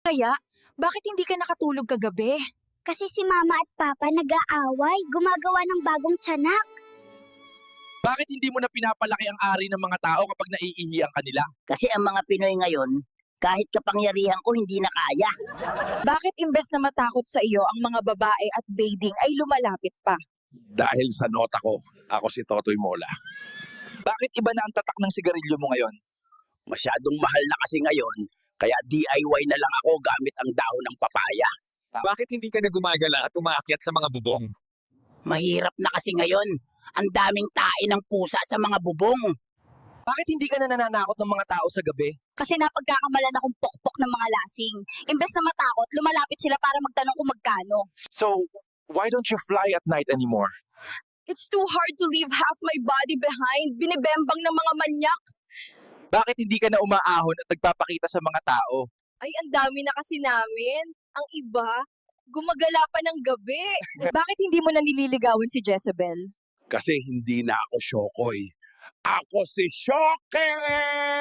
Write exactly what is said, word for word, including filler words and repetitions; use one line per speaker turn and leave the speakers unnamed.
Kaya, bakit hindi ka nakatulog kagabi?
Kasi si Mama at Papa nag-aaway, gumagawa ng bagong tiyanak.
Bakit hindi mo na pinapalaki ang ari ng mga tao kapag naiihi ang kanila?
Kasi ang mga Pinoy ngayon, kahit kapangyarihan ko hindi na kaya.
Bakit imbes na matakot sa iyo ang mga babae at bathing ay lumalapit pa?
Dahil sa nota ko, ako si Totoy Mola. Bakit iba na ang tatak ng sigarilyo mo ngayon?
Masyadong mahal na kasi ngayon, kaya D I Y na lang ako gamit ang dahon ng papaya.
Bakit hindi ka na gumagala at umaakyat sa mga bubong?
Mahirap na kasi ngayon. Ang daming tae ng pusa sa mga bubong.
Bakit hindi ka na nananakot ng mga tao sa gabi?
Kasi napagkakamalan akong pokpok ng mga lasing. Imbes na matakot, lumalapit sila para magtanong kung magkano.
So, why don't you fly at night anymore?
It's too hard to leave half my body behind. Binibembang ng mga manyak.
Bakit hindi ka na umaahon at nagpapakita sa mga tao?
Ay, ang dami na kasi namin. Ang iba, gumagala pa ng gabi. Bakit hindi mo na nililigawan si Jezebel?
Kasi hindi na ako Shokoy. Ako si Shoke!